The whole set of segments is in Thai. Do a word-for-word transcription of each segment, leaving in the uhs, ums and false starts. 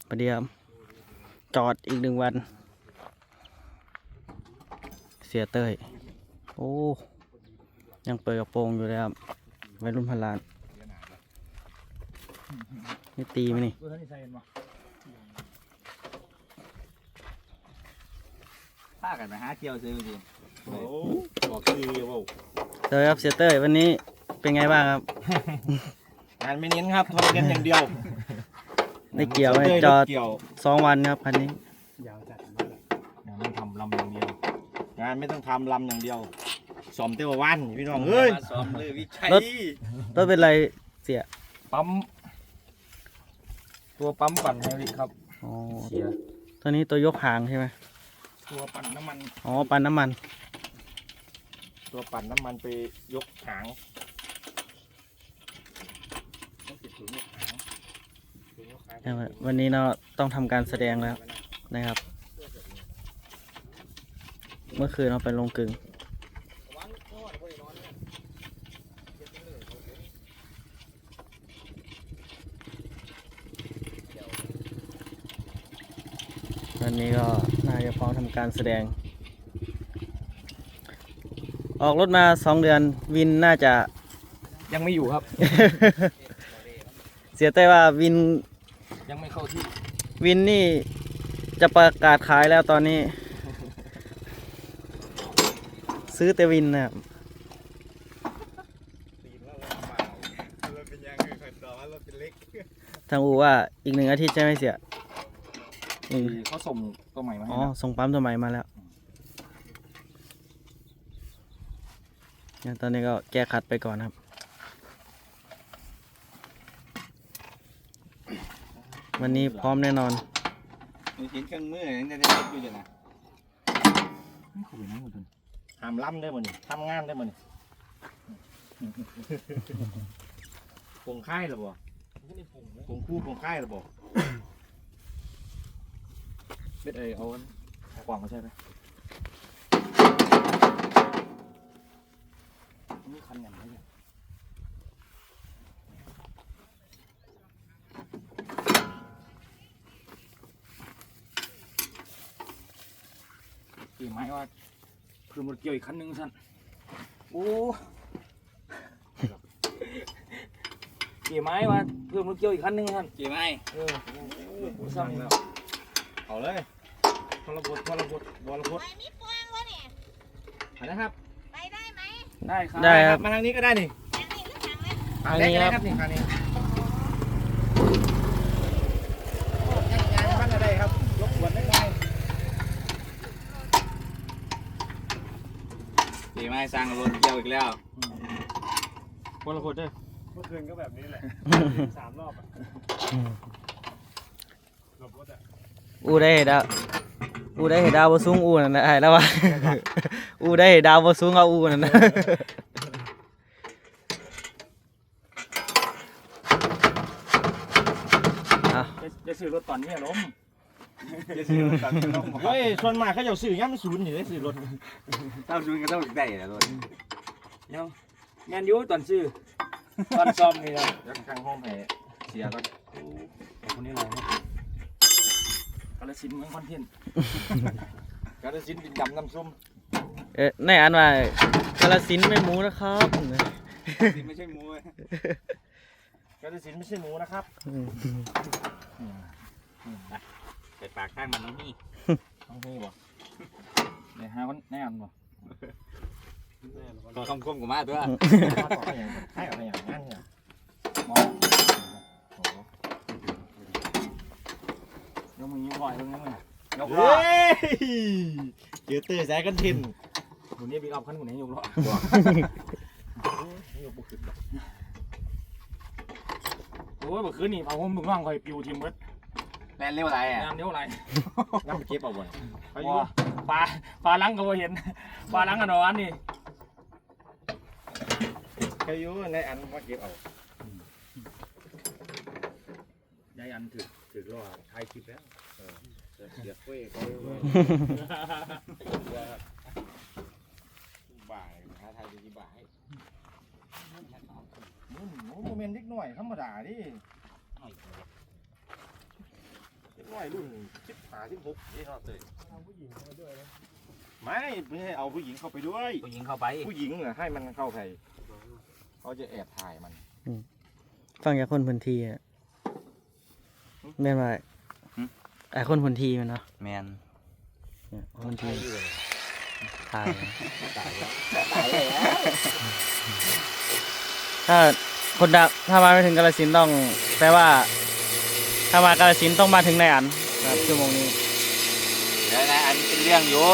ประเดี๋ยวจอดอีกหนึ่งวันเสียเต้ยโอ้ยังเปิดกระโปรงอยู่เลยครับวัยรุ่นพันล้านนี่ตีไหมนี่พากันไปหาเที่ยวซื้อจริงโอ้บอกคือว่าเต้ยครับเสียเต้ยวันนี้เป็นไงบ้างครับงานไม่เน้นครับทำกันอย่างเดียวได้เกี่ยวไหมจอดสองวันครับคันนี้ยาวจัดงานไม่ทำลำอย่างเดียวงานไม่ต้องทำลำอย่างเดียวซ้อมเต้าวันพี่น้องเอ้ยซ้อมเลยวิชัยรถรถเป็นไรเสียปั๊มตัวปั๊มปั่นไฮดรอลิกครับอ๋อเสียตัวนี้ตัวยกหางใช่ไหมตัวปั่นน้ำมันอ๋อปั่นน้ำมันตัวปั่นน้ำมันไปยกหางวันนี้เราต้องทำการแสดงแล้วนะครับเมื่อคืนเราไปลงกึ่งวันนี้ก็น่าจะพร้อมทำการแสดงออกรถมาสองเดือนวินน่าจะยังไม่อยู่ครับเสียใจว่าวินยังไม่เข้าที่วินนี่จะประกาศขายแล้วตอนนี้ ซื้อแต่วินนะครับทางอูว่าอีกหนึ่งอาทิตย์ใช่ไหมเสียเขาส่งตัวใหม่มาอ๋อส่งปั๊มตัวใหม่มาแล้วตอนนี้ก็แก้ขัดไปก่อนครับวันนี้พร้อมแน่นอนมีเห็นเครื่องมือยังจะได้อยู่อยู่นะทำล่ำได้หมดนี่ทำงานได้หมดนี่ผงค่ายหรือเปล่าผงคู่ผงค่ายหรือเปล่าเบ็ดเอเอากว่างมาใช่ไหมนี่คันอย่างไรเนี่ยกี่ไม้ว่าเพิ่มรถเกี่ยวอีกคันหนึ่งสั่นโอ้กี่ไม้ว่าเพิ่มรถเกี่ยวอีกคันหนึ่งสั่นกี่ไม้เออสั่งแล้วเอาเลยพลบดพลบดบอลบดมีปวงวะเนี่ยนะครับไปได้ไหมได้ครับได้ครับมาทางนี้ก็ได้นี่ทางนี้หรือทางทางนี้ครับนี่ทางนี้งานบ้านอะไรครับยกขวดได้ไงดีไหมสร้างรถเกี่ยวอีกแล้วพลบดด้วยเมื่อคืนก็แบบนี้แหละสามรอบอะอูได้เห็ดดาวอูได้เห็ดดาวบสูงอูนั่นนะไอ้แล้ววะอูได้เห็ดดาวบสูงเอาอูนั่นนะจะซื้อรถตอนนี้ล้มจะซื้อรถตอนนี้ล้มเฮ้ยส่วนมากเขาจะซื้อย่ำศูนย์อยู่ได้ซื้อรถเท่าศูนย์ก็เท่าได้แหละรถยังแมนยูตอนซื้อตอนซ้อมนี่นะยังข้างห้องแผลเสียก็คนนี้อะไรกาลสินเมืองคอนเทนต์กาลสินดินดำน้ำส้มเอ๊ะในอันว่ากาลสินไม่หมูนะครับกาลสินไม่ใช่หมูกาลสินไม่ใช่หมูนะครับใส่ปากข้างมันน้องนี่น้องนี่บ่เดี๋ยวหาคนแน่นบ่ก็คำคมกูมาตัวให้อะไรอย่างนั้นเนี่ยมองโอ้ยกมือยิ้มบ่อยตรงนี้มั้ยยกล้อเจอเตอร์สายกันทินคนนี้บิ๊กอัพขั้นคนนี้ยกล้อโอ้ยเมื่อคืนนี่เอาผมมึงว่างคอยปิวทีมเบิร์ดแรงเร็วอะไรอ่ะแรงเร็วอะไรน้ำเก็บเอาไว้ปลาปลาล้างก็เห็นปลาล้างกันนอนนี่ใครอยู่ในอันว่าเก็บเอาในอันถือถือรอถ่ายคลิปแล้วเสียบเว้ยเขาบ่ายท้าทายดีบ่ายโมเมนต์เล็กหน่อยธรรมดาดิน้อยรุ่นสิบห้าสิบหกนี่เนาะเต้ยเอาผู้หญิงเข้ามาด้วยนะไม่ไม่ให้เอาผู้หญิงเข้าไปด้วยผู้หญิงเข้าไปผู้หญิงอ่ะให้มันเข้าไปเขาจะแอบถ่ายมันฟังจากคนพื้นที่อะแม่นว่าไอ้คนพื้นที่มันเนาะแมนเนี่ยคนพื้นที่ตายตายแล้วถ้าคนดักถ้ามาไม่ถึงกาฬสินธุ์ต้องแปลว่า ถ้ามากาฬสินธุ์ต้องมาถึงในอันนะครับชั่วโมงนี้เดี๋ยวนะอันเป็นเรื่องอยู่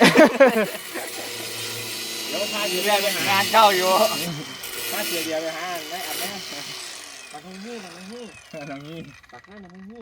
เดี๋ยวพามีเสียเรื่เบีอย งร์ไปเป็นหางานเข้าอยู่พาเสียเบียร์ไปหาไม่อัดนะปักตรงนี้ปักตรงนี้ตรงนี้ปักหน้าตรงนี้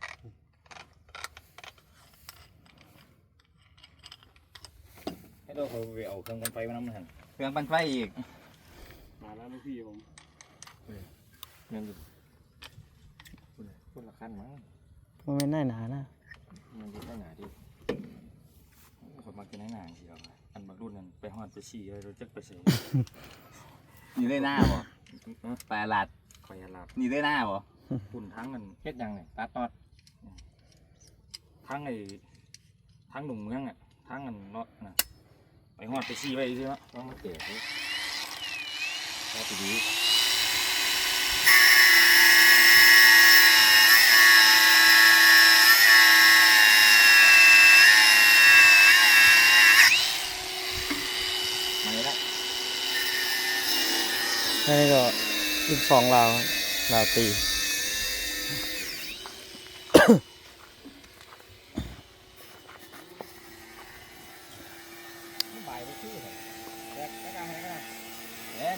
ให้เราเขาไปเอาเครื่องกันไฟมาน้ำมันหันเครื่องปั่นไฟอีกมาแล้วลูกพี่ผมเงินอยู่คนละขั้นมั้งมันไม่น่าหนานะมันจะได้หนาดิผมมากินให้หนาทีเดียวอันบางรุ่นนั้นไปฮอดไปฉี่เลยเราจะไปเสียนี่ได้หน้าบ่ปลาหลัดคอยหลับนี่ได้หน้าบ่ปุ่นทั้งเงินเฮ็ดยังไงตัดตอดทั้งไอ้ทั้งหนุ่มเมืองอ่ะทั้งเงินเนาะนะไปฮอดไปฉี่ไปใช่ไหมต้องมาเก็บแล้วไปดีมาแล้วนี่ก็ลูกสองลาวลาวตีบ่ายไปชื่อเหรอแดกแดกอะไรกันเล่น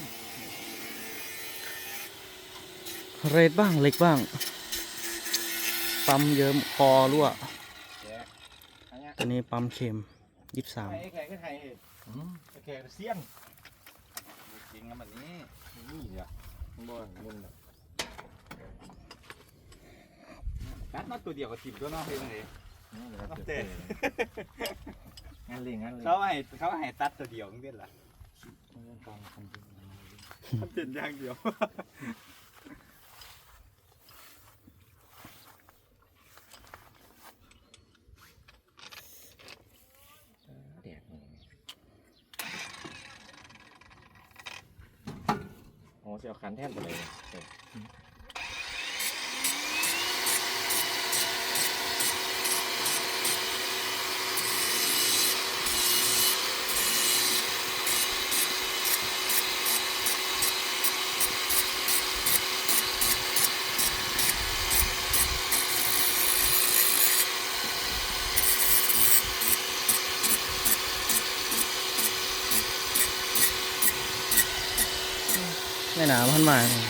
เรดบ้างเล็กบ้างปั๊มเยิ้มคอรั่วแดกอันเนี้ยตัวนี้ปั๊มเค็มยี่สิบสามไอ้แขกก็ไทยไอ้แขกเซียนจริงกันแบบนี้นี่เหรอบ่มึงตัดมาตัวเดียวกับทีมตัวน้องเองเลยเต้งานเลี้ยงงานเลี้ยงเขาให้เขาให้ตัดตัวเดียวนี่เป็นล่ะกองคอนเทนต์ทำเป็นอย่างเดียวแดกโอ้เสียวขันแทนไปเลยไม่หนาพันมาเลย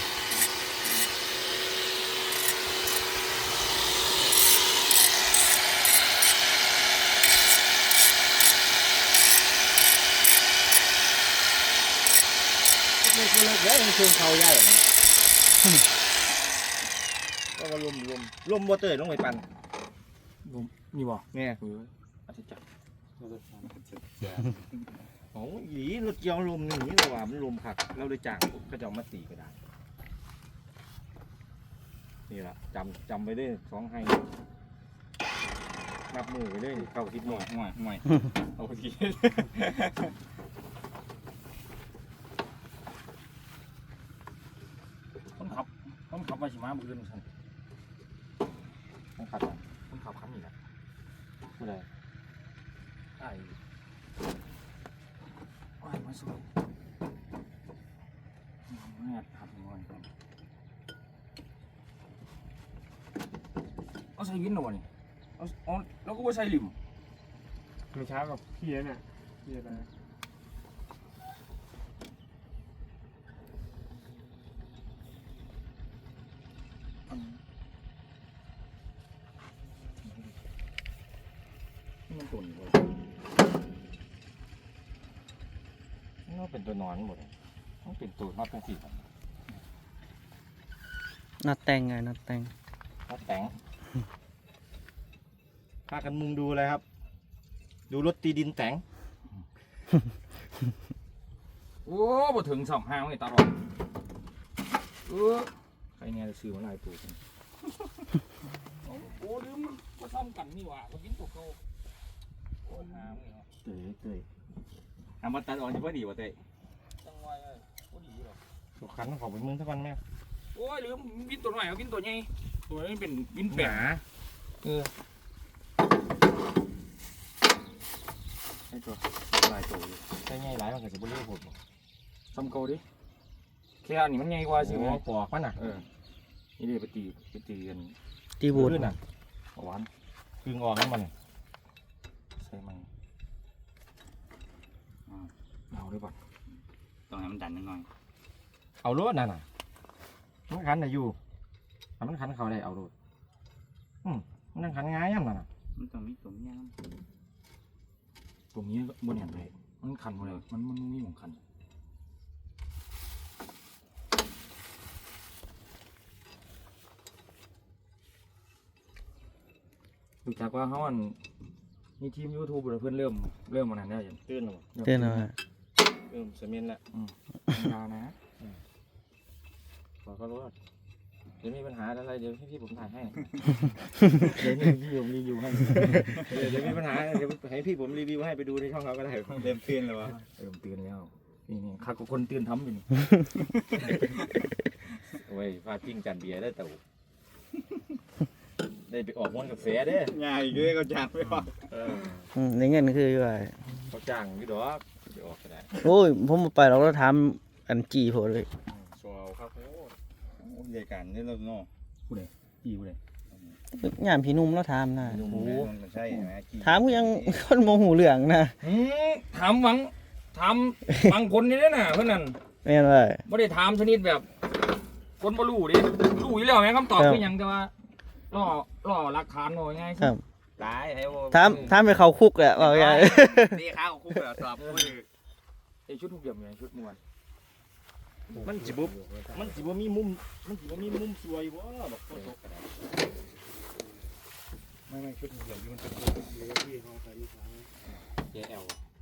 เล็กเล็กเดี๋ยวมันเชิงเขาใหญ่ก็มาลมลมลมบ่เตยลงไปปั่นนี่บ่เนี่ยอาทิตย์จักโอ้ยอีรถเกี่ยวลมหนีเลยว่ะมันลมผักเราเลยจ่างก็จะเอามาตีก็ได้นี่แหละจำจำไปด้วยสองให้นับมือไปด้วยเข้าทิศหห่น่วอย ยห่วยห่วยเอาทีคนขับคนขับมาชิมาบุกเดินฉันคนขับคนขับขับนี่แหละผู้ใดไอ้โอ้ยมาสวยแม่ขับงอนกันเอาใส่วินหน่อยเอาเอาแล้วก็ว่าใส่ลิมไม่ช้ากับพี่เนี่ยพี่อะไรมันตุ่นหมดมันเป็นตัวนอนหมดเลยมันเป็นตัวนอดทั้งสี่นัดแต่งไงนัดแต่งนอดแต่งพากันมุงดูเลยครับ ดูรถตีดินแต่ง โอ้บ่ถึงสองห้างไอ้ตาหรอกเออใครเนี่ยจะซื้อมาลายปูกันโอ้ลืมว่านี่หว่าเขากินตัวเก่าโอ้หามึงเหรอเตยเตยทำมาตัดออกจะพอดีวะเตยจังหวะก็ดีหรอกตัวขันของไปมึงสักวันแม่โอ้ยลืมวินตัวหน่อยเอาวินตัวใหญ่ตัวนี้เป็นวินหแปะนาเออไอ้ตัวลายตัวอยู่ใช่ไงหลายมันก็จะบ่เลี้ยวผมทำเก่าดิแค่อันนี้มันใหญ่กว่าสิโอ้วะปอกมันน่ะเออนี่ดิไปตีไปตีกันตีบูดขึ้นน่ะหวานกึ่งออกให้มันใส่มันเอาด้วยก่อนต้องให้มันดันนิดหน่อยเอารถนั่นน่ะมันขันน่ะอยู่ถ้ามันขันเขาได้เอารถอืมมันนั่งขันง่ายย่ำนั่นน่ะมันต้องมีตัวมีย่างตรงนี้บนเห็นเลยมันคันหมดเลยมันมันมีของคันดูจากว่าเขาอันมีทีมยูทูบเพื่อนเริ่มเริ่มมานานแล้วอย่างตื่นหรอเต้นเอาฮะเริ่มเสมียนละยาวนะบอกเขารู้ว่าเดี๋ยวมีปัญหาอะไรเดี๋ยวพี่ผมถ่ายให้เดี๋ยวนี้พี่ผมรีวิวให้เดี๋ยวเดี๋ยวมีปัญหาเดี๋ยวให้พี่ผมรีวิวให้ไปดูในช่องเขาก็ได้เริ่มตื่นแล้ววะเริ่มตื่นแล้วนี่นี่ข้าก็คนตื่นทำอยู่นี่โอ้ยฟาดปิ้งจานเบียร์ได้แต่ได้ไปออกม้วนกาแฟเด้ง่ายเลยก็จางไม่พอเอออืมในเงินคือว่าเขาจ้างพี่ดอกไปออกก็ได้โอ้ยผมบ่ไปเราก็ถามอันจีโพดเลยโชว์ครับโอ้ใหญ่กันนี่เราเนาะจีกูเลยยามพี่หนุ่มเราถามนะโอ้โหมันใช่ไหมถามก็ยัง คนโมหูเรื่องนะหืมถามหวังถามบางคนนี่นะน่ะเพื่อนนั่นแม่นว่าไม่ได้ถามชนิดแบบ คนบ่รู้ดิรู้อยู่แล้วแม่คำตอบครับคือหยังแต่ว่าล่อล่อหลักฐานหน่อยไงครับตายไอ้โว้ถามถามไปเขาคุกแหละว่าไงตีข้าวคู่แบบตอบคู่ไอชุดทุกอย่างไงชุดมวนมันจิบุบมันจิบมีมุมมันจิบมีมุมสวยวะแบบโคตรกระดาษไม่ไม่ชุดเดียวที่มันเป็นเดี๋ยวพี่เขาใส่ลูกค้าเจแอล